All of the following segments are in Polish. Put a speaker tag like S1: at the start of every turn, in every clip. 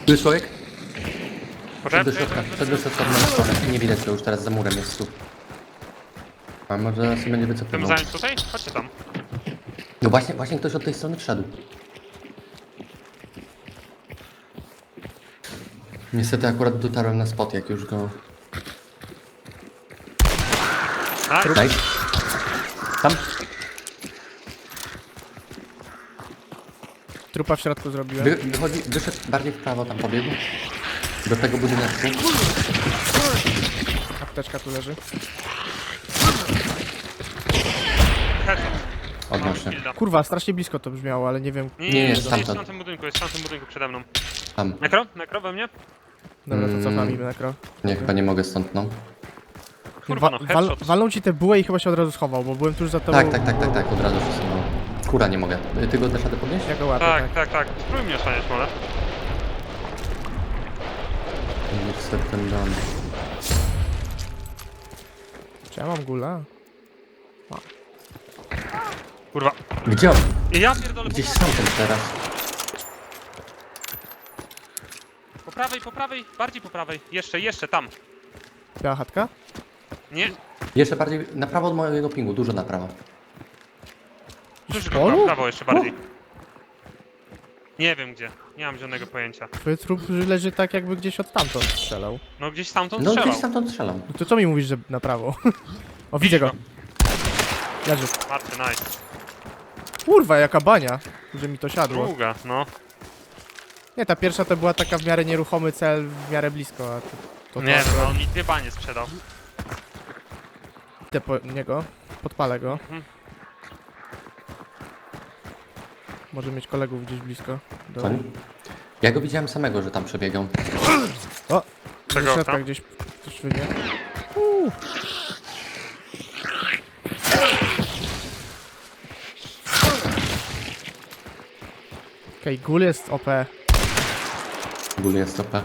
S1: Tu jest człowiek? Przed do
S2: Poczekaj,
S1: środka, przed do środka w moją stronę. Nie widać go już teraz za murem jest tu. A może się będzie
S2: chcemy
S1: wycofywał.
S2: zająć tutaj? Chodźcie tam.
S1: No właśnie ktoś od tej strony wszedł. Niestety akurat dotarłem na spot, jak już go...
S2: A,
S1: Daj. Tam.
S3: Trupa w środku zrobiłem.
S1: Wyszedł bardziej w prawo, tam pobiegł. Do tego budyneczku.
S3: Apteczka tu leży.
S2: headshot.
S1: Odnośnie.
S2: Shielda.
S3: Kurwa, strasznie blisko to brzmiało, ale nie wiem.
S1: Nie,
S2: jest
S1: stamtąd.
S2: w tamtym budynku, jest w tamtym budynku przede mną.
S1: Tam.
S2: Nekro we mnie?
S3: Dobra, to cofam im nekro.
S1: Nie, chyba nie mogę stąd, no.
S2: Kurwa, no headshot.
S3: Walną ci te bułę i chyba się od razu schował, bo byłem tuż za tobą.
S1: Tak, od razu przesunął. Kura nie mogę. Ty go też radę podnieść?
S3: Ja go łapię, tak.
S2: Tak. Spróbuj mnie osłaniać, może.
S1: Niestety ten dom.
S3: Czy ja mam gula?
S2: Kurwa.
S1: Gdzie on?
S2: I ja pierdolę,
S1: Gdzieś sam ten teraz.
S2: po prawej, bardziej po prawej. Jeszcze, tam.
S3: Biała chatka?
S2: Nie,
S1: Jeszcze bardziej, na prawo od mojego pingu, dużo na prawo.
S2: duży
S3: polu?
S2: w prawo jeszcze bardziej. Nie wiem gdzie, nie mam żadnego pojęcia.
S3: Twój trup leży tak, jakby gdzieś od tamtąd strzelał.
S2: No gdzieś stamtąd
S1: No
S2: strzelał.
S1: gdzieś stamtąd strzelam.
S3: No to co mi mówisz, że na prawo? O, widzę go. Leży.
S2: Marty, nice.
S3: Kurwa, jaka bania, że mi to siadło.
S2: Długa, no.
S3: Nie, ta pierwsza to była taka w miarę nieruchomy cel, w miarę blisko, a to
S2: Nie no, on mi 2 banie sprzedał.
S3: idę po niego, podpalę go.
S2: Mhm.
S3: Może mieć kolegów gdzieś blisko. Do...
S1: Co? Ja go widziałem samego, że tam przebiegał.
S3: O!
S2: Czego
S3: Do środka
S2: tam?
S3: gdzieś ktoś wyjdzie. Okej, gul jest OP.
S1: Ból jest stopę.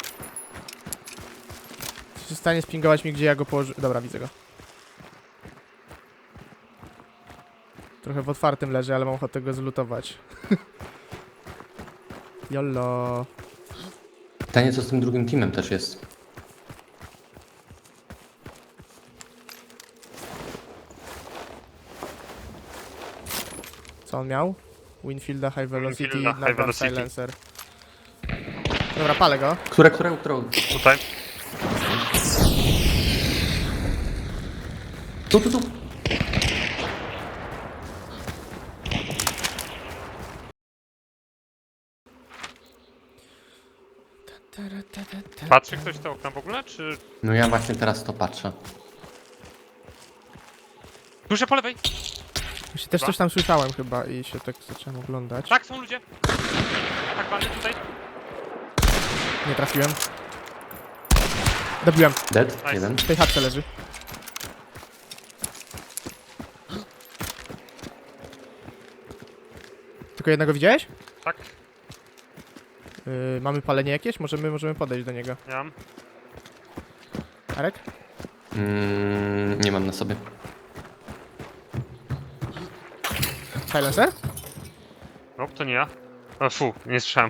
S3: Jesteś w stanie spingować mi, gdzie ja go położę? Dobra, widzę go. Trochę w otwartym leży, ale mam ochotę go zlutować. Jollo.
S1: Pytanie, co z tym drugim teamem też jest.
S3: Co on miał? Winfielda, High Velocity,
S2: Winfielda, High
S3: Nagant
S2: Velocity.
S3: Silencer. Dobra, palę go.
S1: Którą?
S2: Tutaj.
S1: Tu.
S2: Patrzy ktoś te okna w ogóle, czy...
S1: No ja właśnie teraz to patrzę.
S2: Duże po lewej!
S3: Właśnie też coś tam słyszałem chyba i się tak zacząłem oglądać.
S2: Tak, są ludzie! Tak, walny tutaj.
S3: Nie trafiłem. Dobiłem.
S1: Dead?
S2: Nice.
S1: Jeden.
S3: W tej chatce leży. Tylko jednego widziałeś?
S2: Tak,
S3: Mamy palenie jakieś? Możemy podejść do niego.
S2: ja mam.
S3: Arek?
S1: Nie mam na sobie.
S3: Silencer?
S2: No, to nie ja. O, fu, nie słyszałem.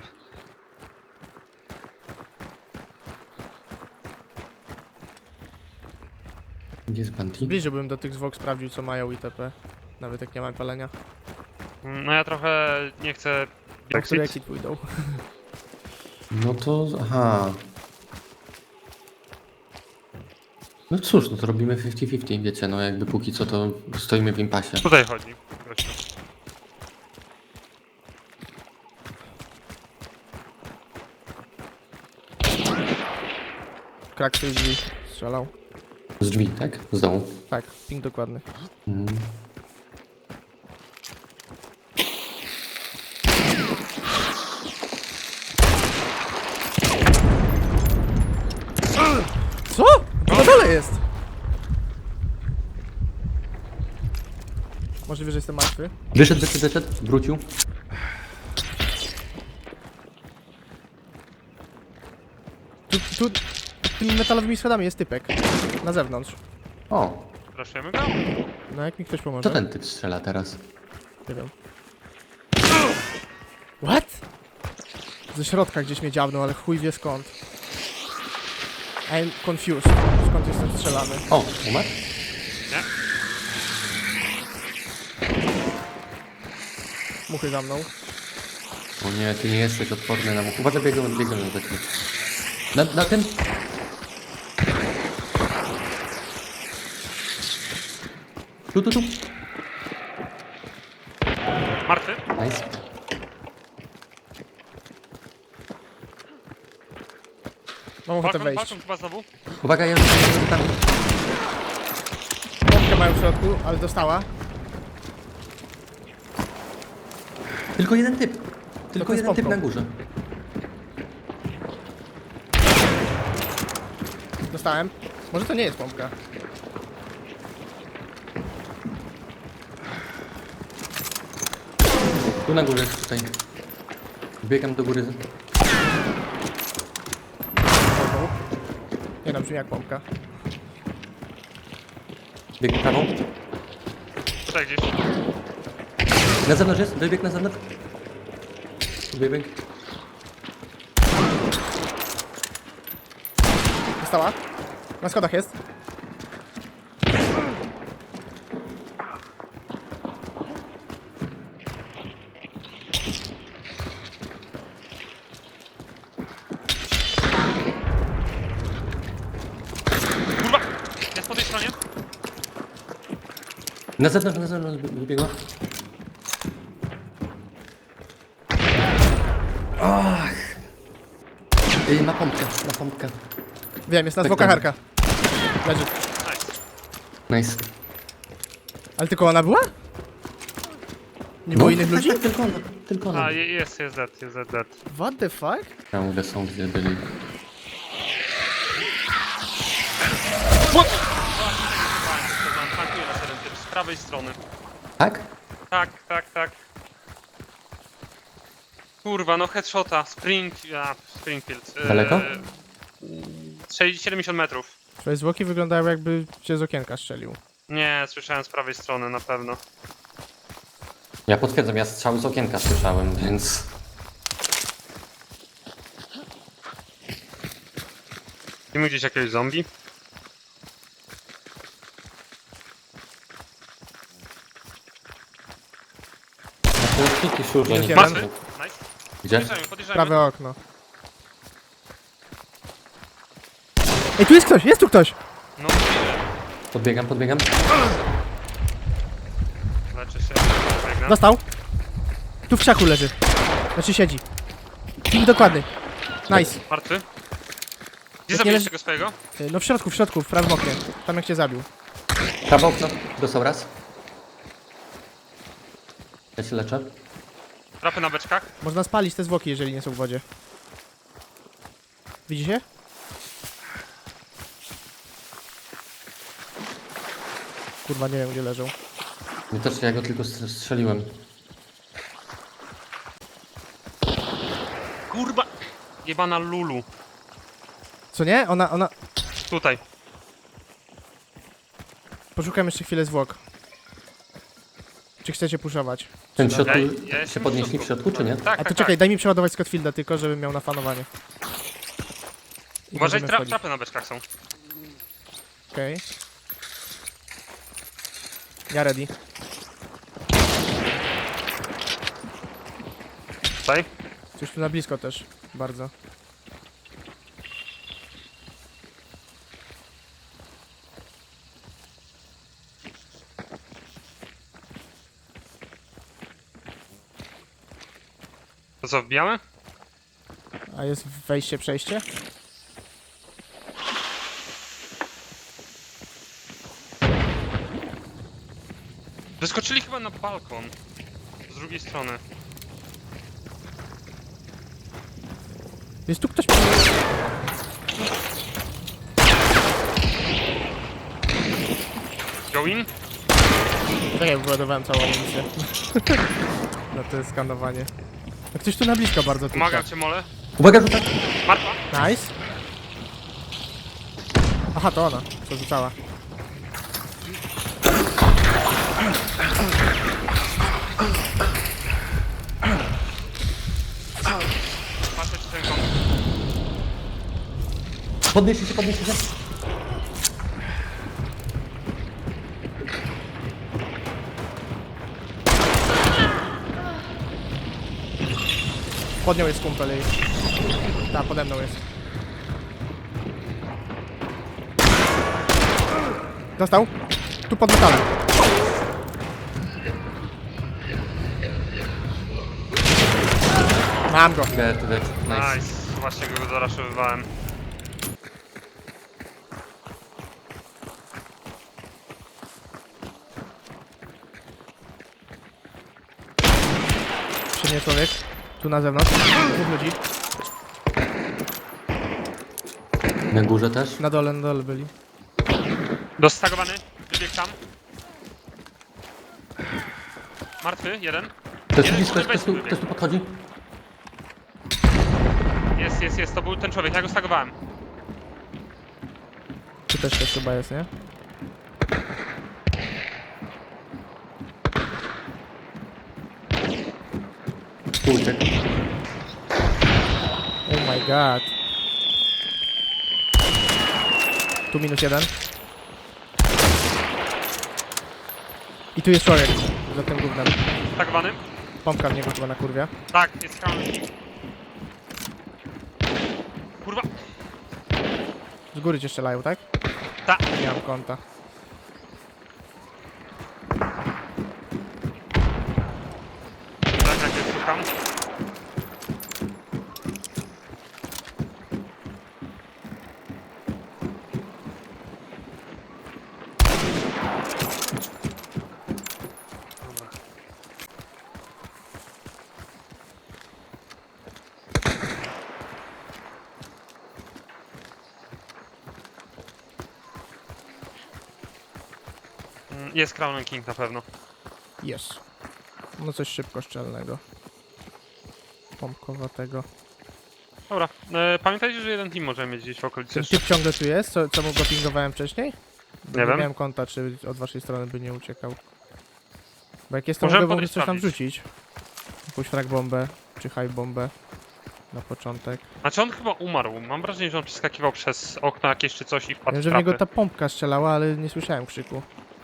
S1: Gdzie jest Banti?
S3: Bliżej bym do tych zwłok sprawdził, co mają itp. Nawet jak nie mam palenia.
S2: No ja trochę nie chcę...
S3: Tak, które
S2: Brexit.
S3: exit pójdą.
S1: No to... aha. No cóż, no to robimy 50-50, wiecie, no jakby póki co to stoimy w impasie.
S2: Tutaj chodzi. Gościu.
S3: Krak z tej drzwi strzelał.
S1: Z drzwi, tak? Z dołu.
S3: Tak, ping dokładny.
S1: Mm.
S3: Co? Na dole jest! Możliwe, że jestem martwy.
S1: Wyszedł, wrócił.
S3: Tu tymi metalowymi schodami jest typek. Na zewnątrz.
S1: O,
S2: Raszujemy go?
S3: No jak mi ktoś pomoże?
S1: co ten typ strzela teraz?
S3: Nie wiem. What? Ze środka gdzieś mnie dziabnął, ale chuj wie skąd. I'm confused. Skąd jestem strzelany?
S1: O, umarł?
S2: Nie?
S3: Muchy za mną.
S1: O nie, ty nie jesteś odporny na much. Uważaj, biegną na taki. Na tym? Tu.
S2: Martwy?
S1: Nice.
S3: Mam ochotę
S2: Balkon,
S3: wejść.
S2: balkon chyba znowu.
S1: Uwaga, ja już tam.
S3: Pompkę mają w środku, ale dostała.
S1: Tylko jeden typ. Tylko
S3: to z
S1: jeden typ
S3: pompką.
S1: na górze.
S3: Dostałem. Może to nie jest pompka.
S1: Tu na górze, tutaj. Biegam do góry.
S3: Pompką. Nie no, brzmi jak pompka.
S1: Bieg prawą.
S2: Tutaj gdzieś.
S1: Na zewnątrz jest, dobieg na zewnątrz. Bieg.
S3: Dostała. Na schodach jest.
S2: Kurwa! Jest po tej stronie.
S1: Na zewnątrz wybiegła. Ach. Ma pompkę.
S3: Wiem, jest na
S1: Tak,
S3: zwłoka
S1: tak.
S3: harka. Leży.
S2: Nice.
S1: Nice.
S3: Ale tylko ona była? Nie było innych ludzi?
S1: Tak, tylko ona.
S2: A, jest dead.
S3: What the fuck?
S1: Ciągle są gdzie byli.
S2: Tankuję na teren typ z prawej strony.
S1: Tak?
S2: Tak. Kurwa, no headshota. Springfield.
S1: Daleko?
S2: 70 metrów.
S3: Twoje zwłoki wyglądają jakby cię z okienka strzelił.
S2: Nie, słyszałem z prawej strony na pewno.
S1: Ja potwierdzam, ja strzały z okienka słyszałem, więc...
S2: Widzimy gdzieś jakiegoś zombie?
S1: To jest taki szurze,
S3: Minus
S1: nie
S3: jeden.
S1: patrzę.
S2: Nice.
S1: Gdzie?
S2: Podjeżdżajmy.
S3: Prawe okno. Ej, tu jest ktoś! Jest tu ktoś!
S2: No,
S1: Podbiegam.
S2: leczę się. Biegnę.
S3: Dostał. Tu w krzaku leży. Znaczy siedzi. Ping dokładny. Nice.
S2: Martwy. Gdzie
S3: nie
S2: zabiłeś
S3: leży-
S2: tego swojego?
S3: No w środku, w prawym oknie. Tam jak cię zabił.
S1: Prawo okno. Dostał raz. Ja się leczę.
S2: Trapy na beczkach.
S3: Można spalić te zwłoki, jeżeli nie są w wodzie. Widzicie? Kurwa, nie wiem gdzie leżą.
S1: Nie też, ja go tylko strzeliłem.
S2: Kurwa! Jebana Lulu.
S3: Co nie? Ona...
S2: Tutaj.
S3: Poszukam jeszcze chwilę zwłok. Czy chcecie puszować?
S1: Ten w środku
S2: Ja jestem
S1: się podnieśli w środku, czy nie?
S2: Tak,
S3: A to
S2: tak,
S3: czekaj,
S2: tak.
S3: daj mi przeładować Scottfielda tylko, żebym miał na fanowanie. I
S2: Uważaj,
S3: możemy wchodzić.
S2: trapy na beczkach są.
S3: Okej. Ja ready.
S2: Tutaj.
S3: Coś tu na blisko też. Bardzo.
S2: To co, wbijamy?
S3: A jest wejście, przejście?
S2: Wyskoczyli chyba na balkon. Z drugiej strony.
S3: Jest tu ktoś...
S2: Go in?
S3: Tak jak wyładowałem całą amunicję. Na to skanowanie. A ktoś tu na blisko bardzo tyka.
S2: Pomagam cię, mole.
S1: Uwaga, rzucam!
S2: Martwa.
S3: Nice. Aha, to ona. Co rzucała.
S2: Martwa.
S1: Podnieście się, podnieście się.
S3: Pod nią jest kumpel jej. Tak, pode mną jest. Dostał? Tu pod metalem. Mam go.
S1: Dead. Nice.
S2: Nice. Właśnie go zaraszowywałem.
S3: Przy mnie człowiek. Tu na zewnątrz. Dwóch ludzi.
S1: Na górze też.
S3: Na dole byli.
S2: Dostagowany. Wybiegł tam. Martwy, jeden.
S1: Ktoś tu
S2: Jeden
S1: blisko,
S2: kurde,
S1: ktoś tu podchodzi.
S2: Jest. To był ten człowiek. Ja go stagowałem.
S3: Tu też ktoś chyba jest, nie?
S1: Tu uciekł.
S3: Oh my god. Tu -1. I tu jest człowiek. Za tym gównem.
S2: Stagowany.
S3: Pompka w niego chyba na kurwia.
S2: Tak, jest crown. Kurwa.
S3: Z góry cię strzelają, tak?
S2: Ta.
S3: Nie mam konta.
S2: Tak, jest szukam. Dobra. Jest Crown King na pewno.
S3: Jest. No coś szybkoszczelnego. Pompkowatego.
S2: Dobra, pamiętajcie, że jeden team możemy mieć gdzieś w okolicy
S3: Ten
S2: jeszcze.
S3: typ ciągle tu jest? Co mu go pingowałem wcześniej? Bo
S2: Nie wiem.
S3: miałem konta, czy od waszej strony by nie uciekał. Bo jak jest, to
S2: Możemy
S3: mogę w ogóle
S2: podejść
S3: coś tam
S2: sprawdzić.
S3: wrzucić. Jakąś frag bombę, czy high bombę. Na początek.
S2: Znaczy on chyba umarł. Mam wrażenie, że on przeskakiwał przez okno jakieś czy coś i wpadł
S3: Wiem,
S2: w
S3: że w niego
S2: trapy.
S3: ta pompka strzelała, ale nie słyszałem krzyku.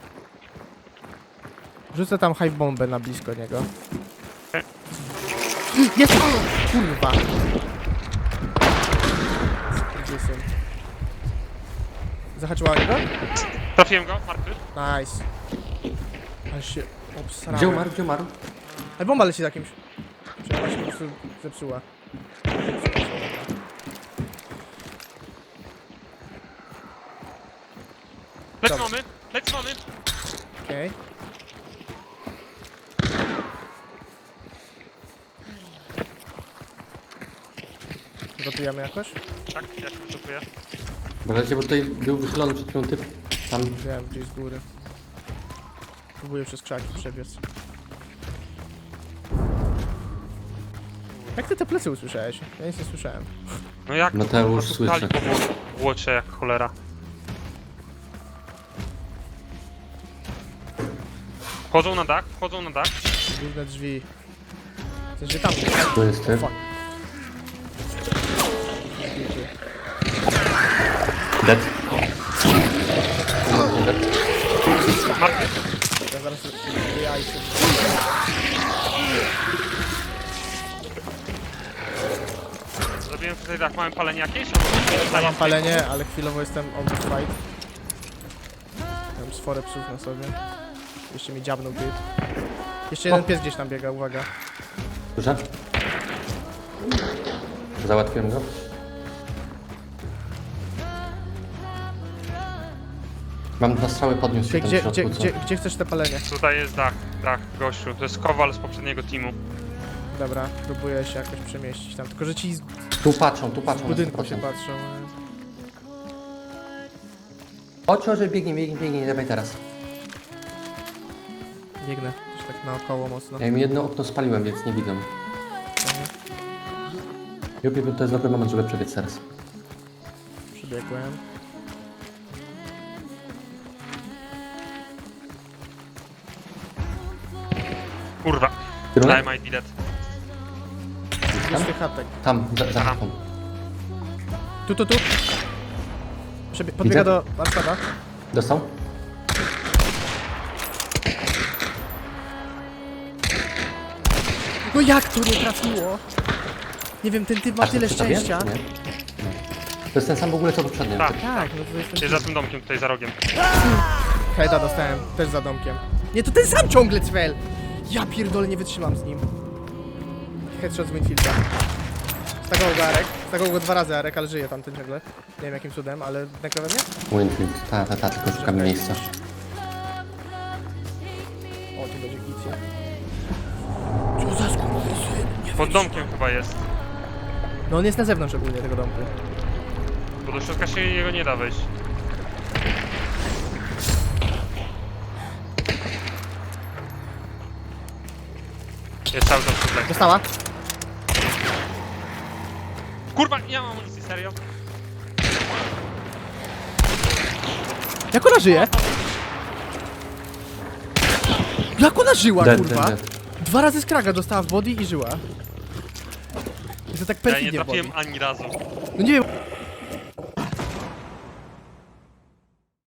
S3: Rzucę tam high bombę na blisko niego.
S2: Okej.
S3: Jest! Kurwa! Skurwysyn. Zahaczyła o niego?
S2: Trafiłem go, martwy.
S3: Nice. Ale się obsrałem.
S1: Gdzie umarł, gdzie umarł?
S3: Ale bomba leci za kimś. Czy ona się po prostu zepsuła?
S2: Lec
S3: Dobra.
S2: mamy, lec mamy.
S3: Okej. Gotujemy jakoś?
S2: Tak, ja się przygotuję.
S1: Uważajcie, bo tutaj był wychylony przed chwilą typ. Tam.
S3: Wiem, gdzieś z góry. Próbuję przez krzaki przebiec. Jak ty te plecy usłyszałeś? Ja nic nie słyszałem.
S2: No jak?
S1: Mateusz
S2: po prostu
S1: słyszy.
S2: stali po łocze jak cholera. Wchodzą na dach, wchodzą na dach.
S3: Główne drzwi. W sensie tam.
S1: Tu jest typ.
S3: Fuck.
S1: Dead.
S2: Martwy.
S3: Ja zaraz jajce.
S2: Zrobiłem tutaj dach, mamy palenie jakieś?
S3: Ja mam palenie, ale chwilowo jestem on the fight. Mam sforę psów na sobie. Jeszcze mi dziabnął typ. Jeszcze jeden pies gdzieś tam biega, uwaga.
S1: Dobrze? Załatwiłem go. Mam 2 strzały, podniósł się
S3: Gdzie,
S1: tam w
S3: gdzie,
S1: środku, co?
S3: gdzie chcesz te palenie?
S2: Tutaj jest dach, gościu. To jest kowal z poprzedniego teamu.
S3: Dobra, próbuję się jakoś przemieścić tam. Tylko, że ci z
S1: Tu patrzą na
S3: budynku się
S1: 100%.
S3: patrzą.
S1: Chodź, że biegnij, dawaj teraz.
S3: Biegnę, już tak naokoło mocno.
S1: Ja im jedno okno spaliłem, więc nie widzę. Jupi, to jest dobry moment, żeby przebiec teraz.
S3: Przebiegłem.
S2: Kurwa.
S1: Kierunek?
S2: Daj my dead.
S3: Jest tych chatek.
S1: Tam, za
S2: Aha.
S1: chatą.
S3: Tu. Podbiega
S1: Widzę.
S3: do warsztata.
S1: Dostał?
S3: No jak to nie trafiło? Nie wiem, ten typ ma
S1: A,
S3: tyle
S1: to przy tobie,
S3: szczęścia.
S1: czy nie? To jest ten sam w ogóle co poprzednio.
S2: Tak.
S3: Tak, no to jest ten
S2: Jest za tym domkiem, tutaj za rogiem.
S3: Heada dostałem, też za domkiem. Nie, to ten sam ciągle cwel! Ja pierdolę, nie wytrzymam z nim. Headshot z Winfielda. Stagował go Arek. Stagował go 2 razy Arek, ale żyje tamten ciągle. Nie wiem jakim cudem, ale nagle mnie?
S1: Winfield. Ta, tylko szukamy miejsca.
S3: O, tu będzie gicie. Co za skurwysyn? Nie
S2: Pod domkiem chyba jest.
S3: No on jest na zewnątrz ogólnie tego domku.
S2: Bo do środka się jego nie da wejść. Jest cały czas tutaj.
S3: Dostała?
S2: Kurwa, nie mam amunicji, serio?
S3: Jak ona żyje? Jak ona żyła, kurwa?
S1: Dead.
S3: 2 razy z kraga dostała w body i żyła. I to tak
S2: Ja nie
S3: perfidnie w body.
S2: trafiłem ani razu.
S3: No nie wiem,